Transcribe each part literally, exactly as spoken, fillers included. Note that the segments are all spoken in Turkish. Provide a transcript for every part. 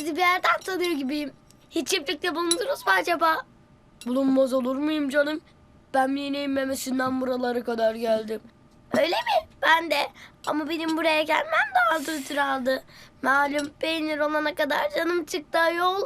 sizi bir yerden tanıyor gibiyim. Hiç çiftlikte bulundunuz mu acaba? Bulunmaz olur muyum canım? Ben mineğin memesinden buralara kadar geldim. Öyle mi? Ben de. Ama benim buraya gelmem daha uzun süre aldı. Malum peynir olana kadar canım çıktı ayol.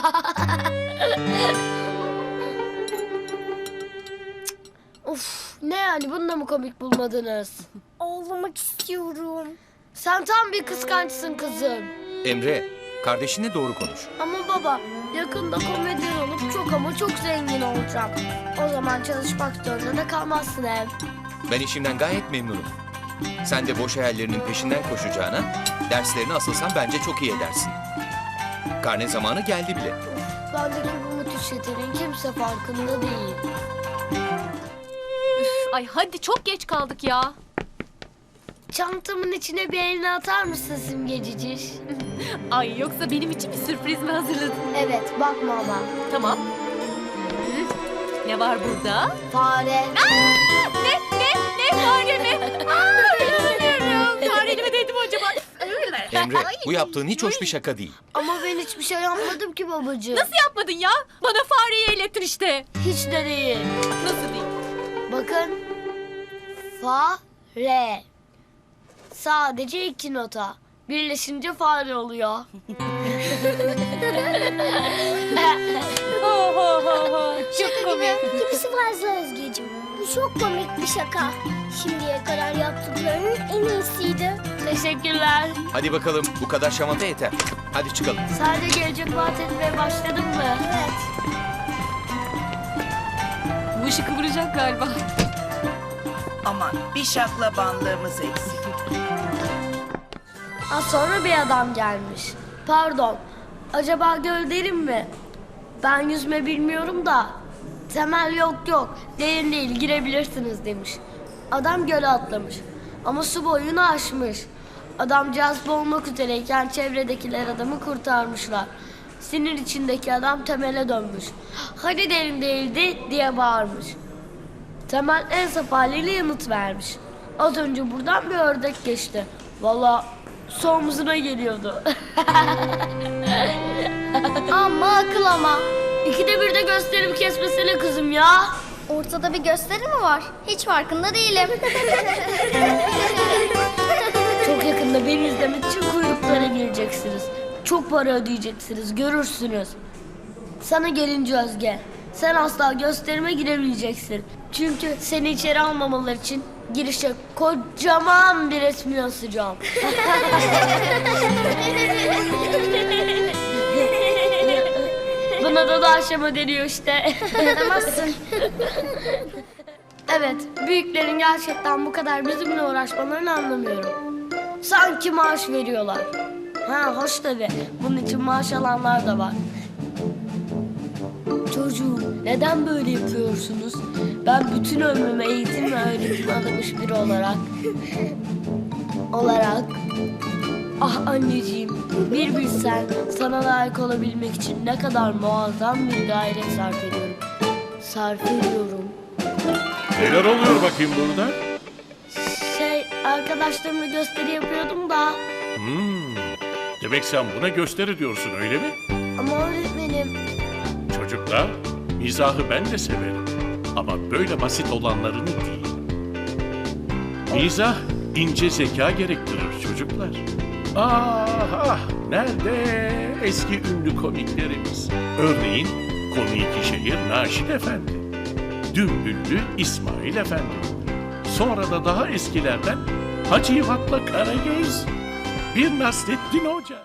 Of, ne yani, bunu da mı komik bulmadınız? Ağlamak istiyorum. Sen tam bir kıskançsın kızım. Emre, kardeşinle doğru konuş. Ama baba, yakında komedyen olup çok ama çok zengin olacağım. O zaman çalışmak zorunda da kalmazsın hem. Ben işimden gayet memnunum. Sen de boş hayallerinin peşinden koşacağına, derslerini asılsan bence çok iyi edersin. Karne zamanı geldi bile. Bendeki bu müthiş yeteneğin kimse farkında değil. Ay hadi çok geç kaldık ya. Çantamın içine bir elini atar mısın Simgeciciş? Ay yoksa benim için bir sürpriz mi hazırladın? Evet, bakma ama. Tamam. Hı. Ne var burada? Fare. Aa, ne ne ne fare mi? Aa, inanamıyorum. Fareli mi dedim acaba? Emre, bu yaptığın hiç hoş bir şaka değil. Ama ben hiçbir şey yapmadım ki babacığım. Nasıl yapmadın ya? Bana fareyi eğlettin işte. Hiç de değil. Nasıl değil? Bakın. Fa, re. Sadece iki nota. Birleşince fare oluyor. Ha ha ha ha. Çok komik. Kimisi fazla Özgeciğim. Bu çok komik bir şaka. Şimdiye kadar yaptıklarının en iyisiydi. Teşekkürler. Hadi bakalım, bu kadar şamata yeter. Hadi çıkalım. Sadece gelecek vaat etmeye başladın mı? Evet. Bu işi kıvıracak galiba. Aman bir şaklabanlığımız eksik. Az sonra bir adam gelmiş. Pardon. Acaba göl derin mi? Ben yüzme bilmiyorum da. Temel yok yok. Derin değil, girebilirsiniz demiş. Adam göle atlamış. Ama su boyunu aşmış. Adamcağız boğulmak üzereyken çevredekiler adamı kurtarmışlar. Sinir içindeki adam Temel'e dönmüş. Hani derin değildi diye bağırmış. Temel en saf haliyle yanıt vermiş. Az önce buradan bir ördek geçti. Vallahi su omzuna geliyordu. Ama akıl ama. İkide bir de gösterip kesmesene kızım ya. Ortada bir gösteri mi var? Hiç farkında değilim. Çok yakında beni izlemek için kuyruklara gireceksiniz. Çok para ödeyeceksiniz, görürsünüz. Sana gelince Özge, sen asla gösterime giremeyeceksin. Çünkü seni içeri almamaları için girişe kocaman bir resmi asacağım. Buna da da aşama deniyor işte. Dayanamazsın. Evet, büyüklerin gerçekten bu kadar bizimle uğraşmalarını anlamıyorum. Sanki maaş veriyorlar. Ha hoş tabii, bunun için maaş alanlar da var. Çocuğum, neden böyle yapıyorsunuz? Ben bütün ömrümü eğitim ve öğretime adamış biri olarak... olarak... Ah anneciğim, bir bilsen sana layık olabilmek için ne kadar muazzam bir gayret sarf ediyorum. Sarf ediyorum. Neler oluyor bakayım burada? Şey, arkadaşlarımla gösteri yapıyordum da... Hmm, demek sen buna gösteri diyorsun öyle mi? Ama öğretmenim... Çocuklar, mizahı ben de severim. Ama böyle basit olanlarını değil. Mizah ince zeka gerektirir çocuklar. Ah ah, nerede eski ünlü komiklerimiz? Örneğin komik şehir Naşit Efendi, Dümbüllü İsmail Efendi. Sonra da daha eskilerden Hacı Yivat'la Karagöz, bir Nasrettin Hoca.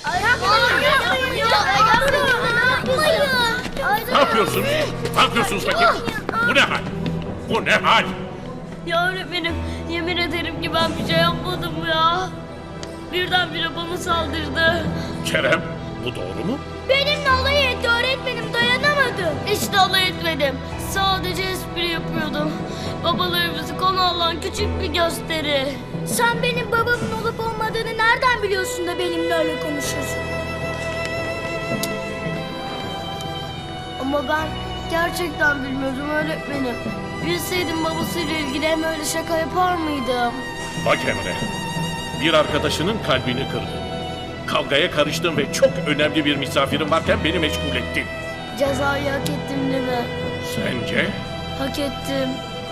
Ne yapıyorsunuz? Ne yapıyorsunuz bakayım? Bu ne hal? Bu ne hal? Ya öğretmenim, yemin ederim ki ben bir şey yapmadım ya. Birdenbire bana saldırdı. Kerem, bu doğru mu? Benimle alay etti öğretmenim, dayanamadım. Hiç de alay etmedim. Sadece espri yapıyordum. Babalarımızı konu alan küçük bir gösteri. Sen benim babamın olup olmadığını nereden biliyorsun da benimle öyle konuşuyorsun? Ama ben gerçekten bilmiyordum öğretmenim. Bilseydim babasıyla ilgili hem öyle şaka yapar mıydım? Bak Emre, bir arkadaşının kalbini kırdın. Kavgaya karıştın ve çok önemli bir misafirin varken beni meşgul ettin. Cezayı hak ettim değil mi? Sence? Hak ettim.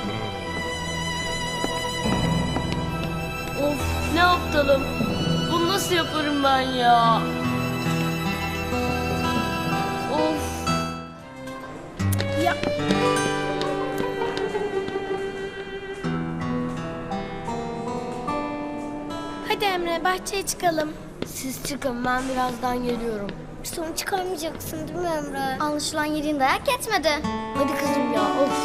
Of, ne aptalım. Bunu nasıl yaparım ben ya? Of. Ya hadi Emre bahçeye çıkalım. Siz çıkın, ben birazdan geliyorum. Sorun çıkarmayacaksın değil mi Emre? Anlaşılan yediğin dayak yetmedi. Hadi kızım ya, of.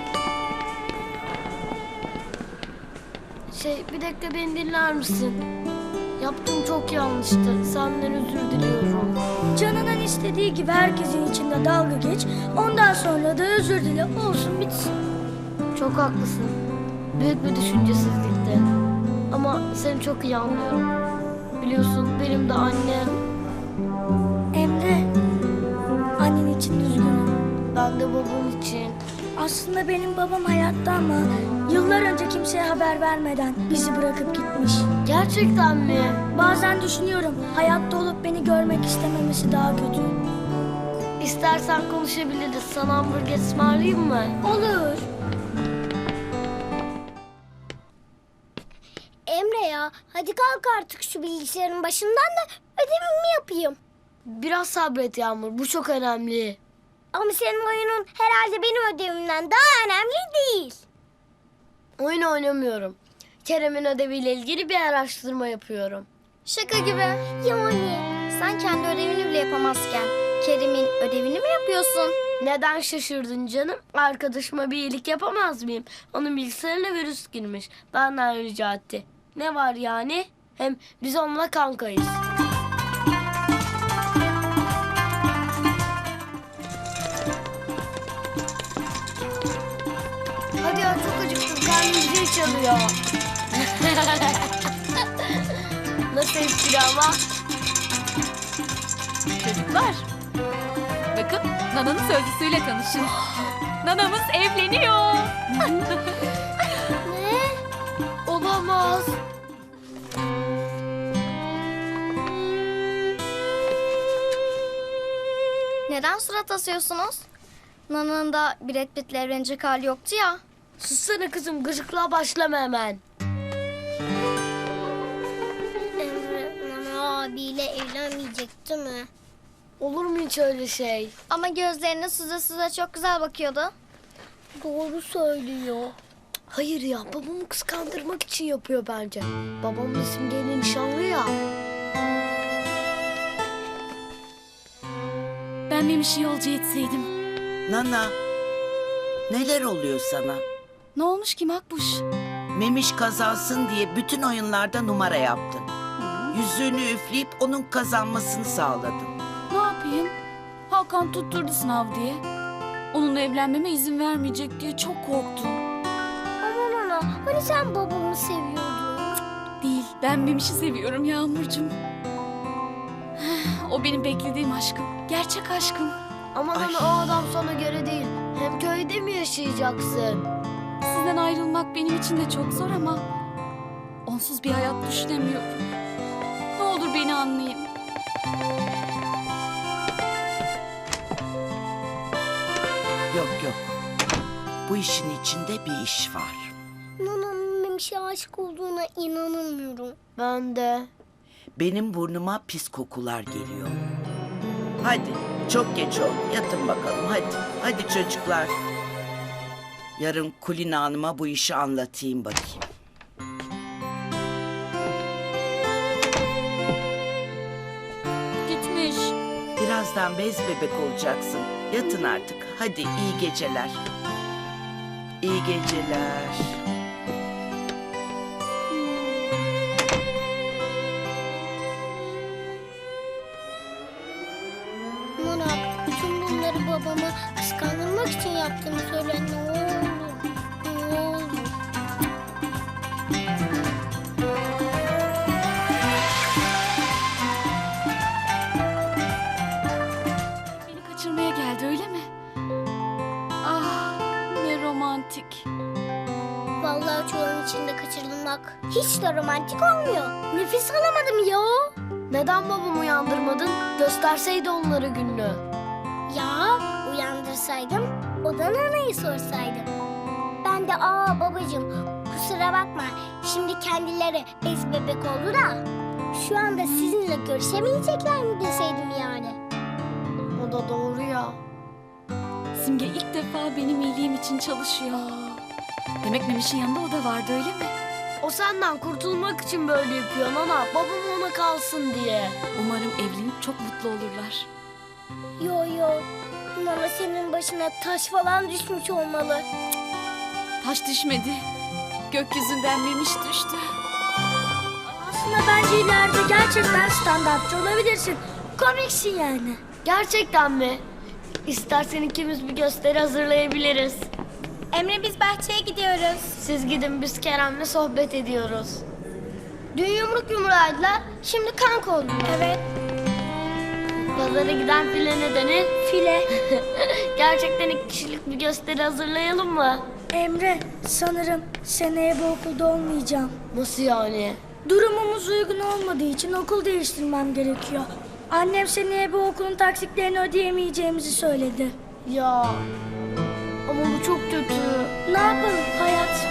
Şey, bir dakika beni dinler misin? Yaptığım çok yanlıştı. Senden özür diliyorum. Canının istediği gibi herkesin içinde dalga geç. Ondan sonra da özür dile. Olsun bitsin. Çok haklısın. Büyük bir düşüncesizlikti. Ama seni çok iyi anlıyorum. Biliyorsun benim de annem. Emre, annen için üzgünüm. Ben de babam için. Aslında benim babam hayatta ama yıllar önce kimseye haber vermeden bizi bırakıp gitmiş. Gerçekten mi? Bazen düşünüyorum hayatta olup beni görmek istememesi daha kötü. İstersen konuşabiliriz. Sana hamburger ısmarlayayım mı? Olur. Emre ya hadi kalk artık şu bilgisayarın başından da ödevimi yapayım. Biraz sabret Yağmur. Bu çok önemli. Ama senin oyunun herhalde benim ödevimden daha önemli değil. Oyun oynamıyorum. Kerem'in ödeviyle ilgili bir araştırma yapıyorum. Şaka gibi. Yani. Sen kendi ödevini bile yapamazken Kerim'in ödevini mi yapıyorsun? Neden şaşırdın canım? Arkadaşıma bir iyilik yapamaz mıyım? Onun bilgisayarına virüs girmiş. Benden rica etti. Ne var yani? Hem biz onunla kankayız. Hadi ya, çok acıktım. Karnım zil çalıyor. Nasıl espri ama? Çocuklar, bakın Nana'nın sözlüsüyle tanışın. Nanamız evleniyor. Ne? Olamaz. Neden surat asıyorsunuz? Nana'nın da Brad Pitt'le evlenecek hali yoktu ya. Sussana kızım, gıcıklığa başlama hemen. Emre Nana abiyle evlenmeyecekti mi? Olur mu hiç öyle şey? Ama gözlerine süze süze çok güzel bakıyordu. Doğru söylüyor. Hayır ya, babamı kıskandırmak için yapıyor bence. Babam da Simge'yle nişanlı ya. Ben Memiş'i yolcu etseydim. Nana, neler oluyor sana? Ne olmuş ki Makbuş? Memiş kazansın diye bütün oyunlarda numara yaptın. Yüzüğünü üfleyip onun kazanmasını sağladın. Ne yapayım? Hakan tutturdu sınav diye. Onunla evlenmeme izin vermeyecek diye çok korktum. Aman ana hani sen babamı seviyordun. Değil, ben Memiş'i seviyorum Yağmurcuğum. O benim beklediğim aşkım. Gerçek aşkım. Aman Ay. ana, o adam sana göre değil. Hem köyde mi yaşayacaksın? Sizden ayrılmak benim için de çok zor ama onsuz bir hayat düşünemiyorum. Ne olur beni anlayın. Yok yok. Bu işin içinde bir iş var. Nana'nın Memiş'e aşık olduğuna inanamıyorum. Ben de. Benim burnuma pis kokular geliyor. Hadi çok geç oldu. Yatın bakalım hadi. Hadi çocuklar. Yarın Kulina Hanım'a bu işi anlatayım bakayım. Gitmiş. Birazdan bez bebek olacaksın. Yatın artık. Hadi iyi geceler. İyi geceler. Nana bütün bunları babama kıskandırmak için yaptığını söyle ne olur. Ne olur. Beni kaçırmaya geldi öyle mi? Ah ne romantik. Vallahi çuvalın içinde kaçırılmak hiç de romantik olmuyor. Nefes alamadım ya. Neden babamı uyandırmadın? Gösterseydi onlara gününü. Ya uyandırsaydım, odan anayı sorsaydım. Ben de aa babacığım kusura bakma, şimdi kendileri bez bebek oldu da şu anda sizinle görüşemeyecekler mi deseydim yani. O da doğru ya. Simge ilk defa benim iyiliğim için çalışıyor. Demek Memiş'in yanında o da vardı öyle mi? O senden kurtulmak için böyle yapıyor Nana. Babam ona kalsın diye. Umarım evlenip çok mutlu olurlar. Yo yo, Nana senin başına taş falan düşmüş olmalı. Taş düşmedi. Gökyüzünden Memiş düştü. Aslında bence ileride gerçekten standartçı olabilirsin. Komiksin yani. Gerçekten mi? İstersen ikimiz bir gösteri hazırlayabiliriz. Emre biz bahçeye gidiyoruz. Siz gidin, biz Kerem'le sohbet ediyoruz. Dün yumruk yumruğaydılar, şimdi kanka oldular. Evet. Pazara giden file ne denir? File. Gerçekten iki kişilik bir gösteri hazırlayalım mı? Emre, sanırım seneye bu okulda olmayacağım. Nasıl yani? Durumumuz uygun olmadığı için okul değiştirmem gerekiyor. Annem seneye bu okulun taksitlerini ödeyemeyeceğimizi söyledi. Ya ama bu çok kötü. Ne yapalım hayat?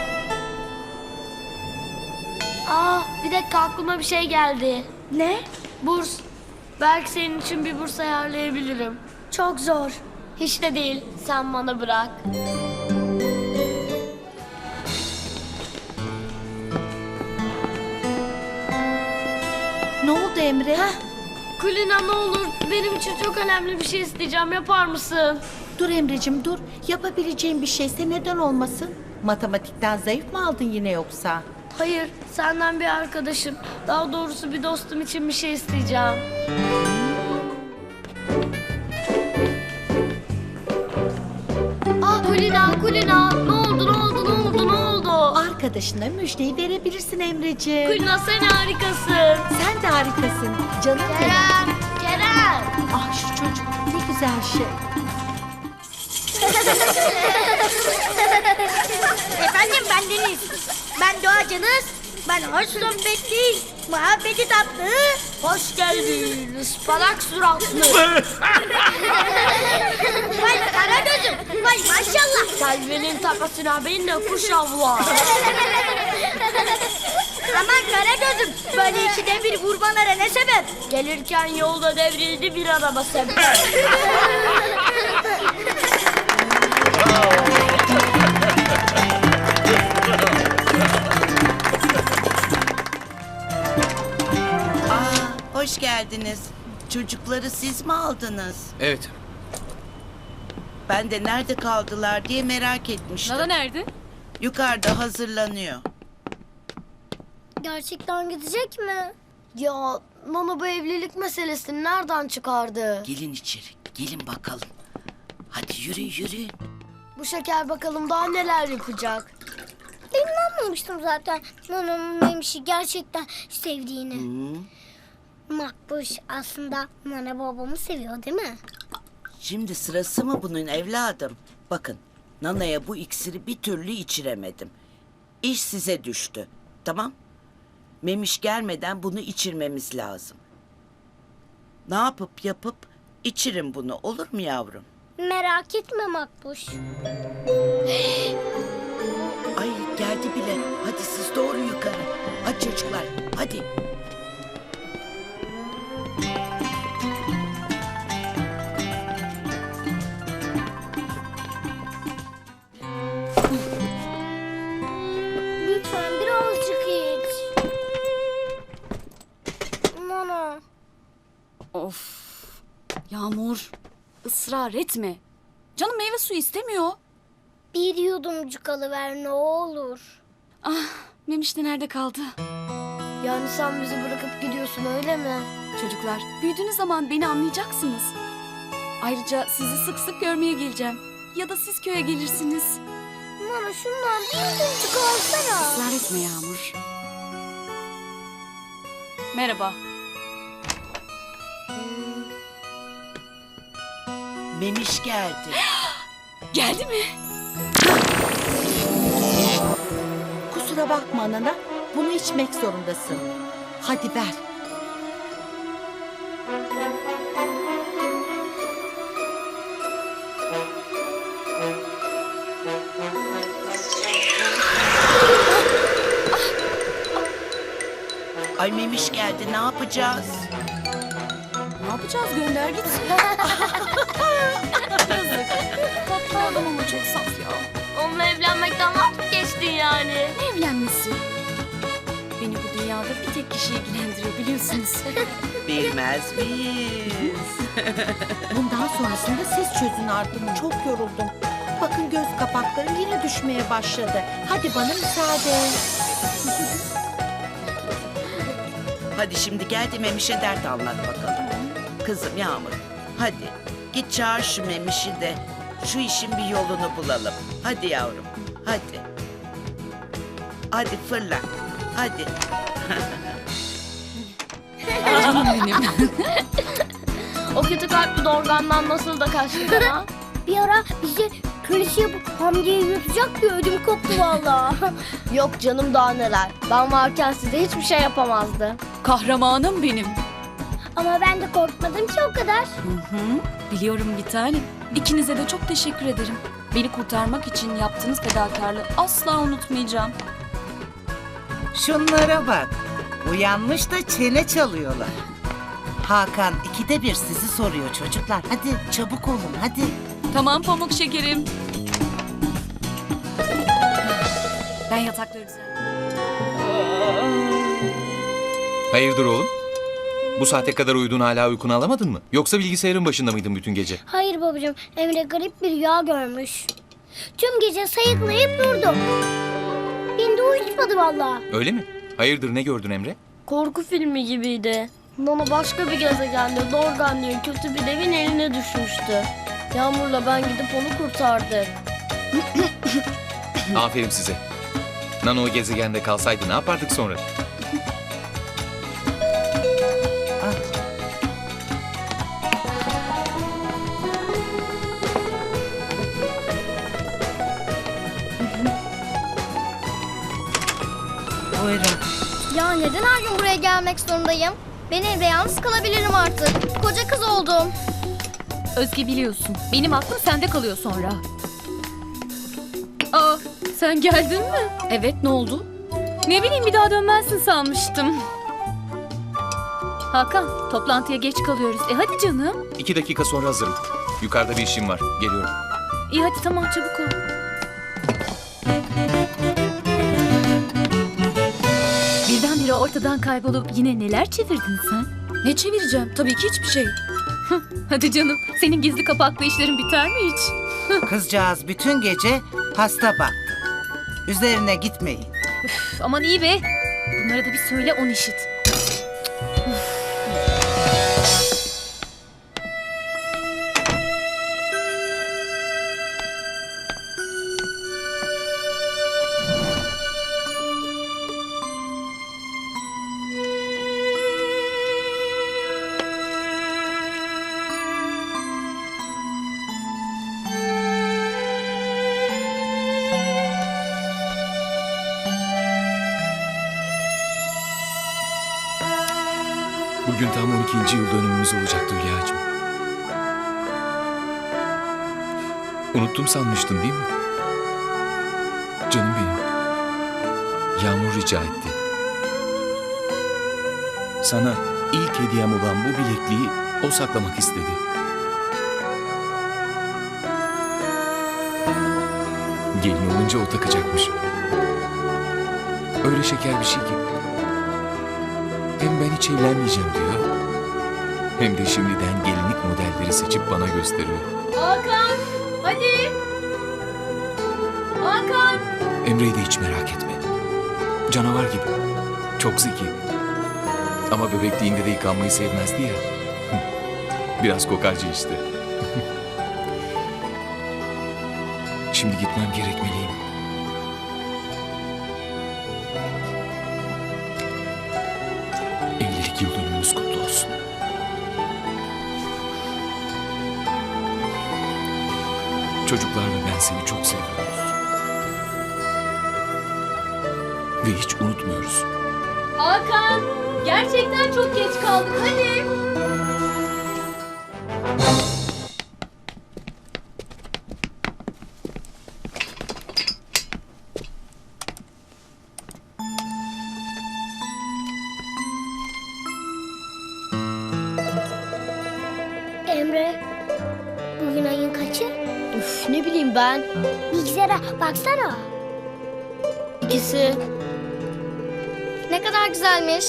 Aa, bir dakika aklıma bir şey geldi. Ne? Burs. Belki senin için bir burs ayarlayabilirim. Çok zor. Hiç de değil. Sen bana bırak. Ne oldu Emre? Kulina ne olur, benim için çok önemli bir şey isteyeceğim. Yapar mısın? Dur Emre'cim dur. Yapabileceğin bir şeyse neden olmasın? Matematikten zayıf mı aldın yine yoksa? Hayır, senden bir arkadaşım. Daha doğrusu bir dostum için bir şey isteyeceğim. Ah Kulina, Kulina. Ne oldu, ne oldu, ne oldu, ne oldu? Arkadaşına müjdeyi verebilirsin Emre'ciğim. Kulina sen harikasın. Sen de harikasın. Canım benim. Kerem, Kerem. Ah şu çocuk ne güzel şey. Efendim ben Deniz. Ben doğacanız. Ben hoş sohbetli, muhabbeti tatlı. Hoş geldin, ıspanak suratlı. Vay kara gözüm. Vay maşallah. Selvi'nin tepesine bin de kuş avlar. Aman kara gözüm. Böyle ikide bir vurmalara ne sebep? Gelirken yolda devrildi bir araba sebep. Aa, hoş geldiniz. Çocukları siz mi aldınız? Evet. Ben de nerede kaldılar diye merak etmiştim. Nana nerede? Yukarıda hazırlanıyor. Gerçekten gidecek mi? Ya Nana bu evlilik meselesini nereden çıkardı? Gelin içeri, gelin bakalım. Hadi yürü yürü. Bu şeker bakalım daha neler yapacak. Ben inanmamıştım zaten. Nana'nın Memiş'i gerçekten sevdiğini. Hı. Makbuş aslında Nana babamı seviyor değil mi? Şimdi sırası mı bunun evladım? Bakın, Nana'ya bu iksiri bir türlü içiremedim. İş size düştü, tamam? Memiş gelmeden bunu içirmemiz lazım. Ne yapıp yapıp içirin bunu, olur mu yavrum? Merak etme Makbuş. Ay geldi bile. Hadi siz doğru yukarı. Hadi çocuklar, hadi. Lütfen birazcık iç. Nana. Of. Yağmur. Israr etme. Canım meyve suyu istemiyor. Bir yudumcuk alıver ne olur. Ah, Memiş de nerede kaldı? Yani sen bizi bırakıp gidiyorsun öyle mi? Çocuklar, büyüdüğünüz zaman beni anlayacaksınız. Ayrıca sizi sık sık görmeye geleceğim. Ya da siz köye gelirsiniz. Nana şundan bir yudumcuk alsana. Israr etme Yağmur. Merhaba. Memiş geldi. Geldi mi? Kusura bakma Nana. Bunu içmek zorundasın. Hadi ver. Ay Memiş geldi, ne yapacağız? Ne yapacağız? Gönder gitsin. Yazık. Tatlı adam ama çok saf ya. Onunla evlenmekten vazgeçtin yani. Ne evlenmesi? Beni bu dünyada bir tek kişi ilgilendiriyor biliyorsunuz. Bilmez miyiz? Bundan sonrasında siz çözün artık. Çok yoruldum. Bakın göz kapaklarım yine düşmeye başladı. Hadi bana müsaade. Hadi şimdi gel de Memiş'e dert anlat bakalım. Kızım Yağmur, hadi git çağır şu Memiş'i de şu işin bir yolunu bulalım. Hadi yavrum, hadi. Hadi fırla, hadi. Canım benim. O kötü kalpli dorgandan nasıl da kaçtı bana. Bir ara bizi kölesi yapıp Hamdi'ye yutacak diye ödüm koptu valla. Yok canım daha neler. Ben varken size hiçbir şey yapamazdı. Kahramanım benim. Ama ben de korkmadım ki o kadar. Hı hı. Biliyorum bir tanem. İkinize de çok teşekkür ederim. Beni kurtarmak için yaptığınız fedakarlığı asla unutmayacağım. Şunlara bak. Uyanmış da çene çalıyorlar. Hakan ikide bir sizi soruyor çocuklar. Hadi çabuk olun hadi. Tamam pamuk şekerim. Ben yatakları düzenleyeyim. Hayırdır oğlum? Bu saate kadar uyudun, hala uykunu alamadın mı? Yoksa bilgisayarın başında mıydın bütün gece? Hayır babacığım, Emre garip bir rüya görmüş. Tüm gece sayıklayıp durdu. Beni de uyutmadı valla. Öyle mi? Hayırdır, ne gördün Emre? Korku filmi gibiydi. Nana başka bir gezegende Dorgan diye kötü bir devin eline düşmüştü. Yağmur'la ben gidip onu kurtardık. Aferin size. Nano o gezegende kalsaydı ne yapardık sonra? Buyurun. Ya neden her gün buraya gelmek zorundayım? Ben evde yalnız kalabilirim artık. Koca kız oldum. Özge biliyorsun. Benim aklım sende kalıyor sonra. Aa, sen geldin mi? Evet, ne oldu? Ne bileyim, bir daha dönmezsin sanmıştım. Hakan, toplantıya geç kalıyoruz. E hadi canım. İki dakika sonra hazırım. Yukarıda bir işim var. Geliyorum. İyi hadi tamam, çabuk ol. Birdenbire ortadan kaybolup yine neler çevirdin sen? Ne çevireceğim? Tabii ki hiçbir şey. Hadi canım, senin gizli kapaklı işlerin biter mi hiç? Kızcağız bütün gece hasta baktı. Üzerine gitmeyin. Üf, aman iyi be. Bunlara da bir söyle, on işit. Bugün tam on ikinci yıl dönümümüz olacaktı Hülya'cığım. Unuttum sanmıştın değil mi? Canım benim. Yağmur rica etti. Sana ilk hediyem olan bu bilekliği o saklamak istedi. Gelin olunca o takacakmış. Öyle şeker bir şey ki. Hem ben hiç evlenmeyeceğim diyor. Hem de şimdiden gelinlik modelleri seçip bana gösteriyor. Hakan, hadi. Hakan. Emre'yi de hiç merak etme. Canavar gibi. Çok zeki. Ama bebekliğinde de yıkanmayı sevmezdi ya. Biraz kokarcı işte. Şimdi gitmem gerekmeliyim. Evlilik yıl dönümümüz kutlu olsun. Çocuklar ve ben seni çok seviyoruz. Ve hiç unutmuyoruz. Hakan, gerçekten çok geç kaldık. Hadi. Emre, bugün ayın kaçı? Üf, ne bileyim ben. Bilgisayara baksana. İkisi. Ne kadar güzelmiş.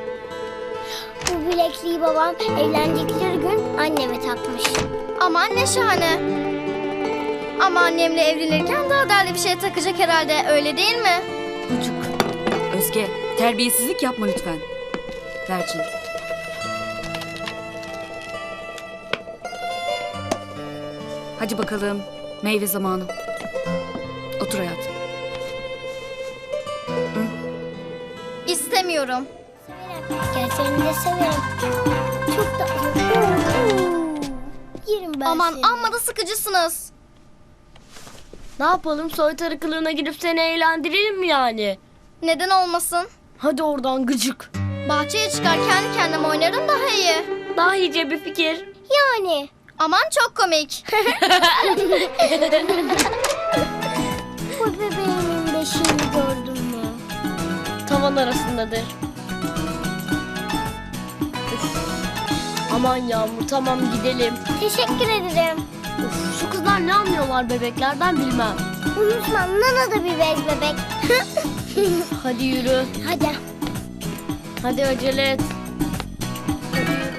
Bu bilekliği babam evlendikleri gün anneme takmış. Aman ne şahane. Ama annemle evlenirken daha değerli bir şey takacak herhalde, öyle değil mi? Çocuk. Özge, terbiyesizlik yapma lütfen. Ver canım. Hadi bakalım. Meyve zamanı. Otur hayatım. İstemiyorum. Gel seni de severim. Çok tatlı. Yerim ben Aman seni. amma da sıkıcısınız. Ne yapalım, soytarı kılığına girip seni eğlendirelim mi yani? Neden olmasın? Hadi oradan gıcık. Bahçeye çıkar kendi kendime oynarım daha iyi. Daha iyice bir fikir. Yani. Aman çok komik. Bu bebeğimin beşiğini gördün mü? Tavan arasındadır. Üf. Aman Yağmur, tamam gidelim. Teşekkür ederim. Uf, şu kızlar ne anlıyorlar bebeklerden bilmem. Unutma, Nana da bir bez bebek. Hadi yürü. Hadi. Hadi acele et.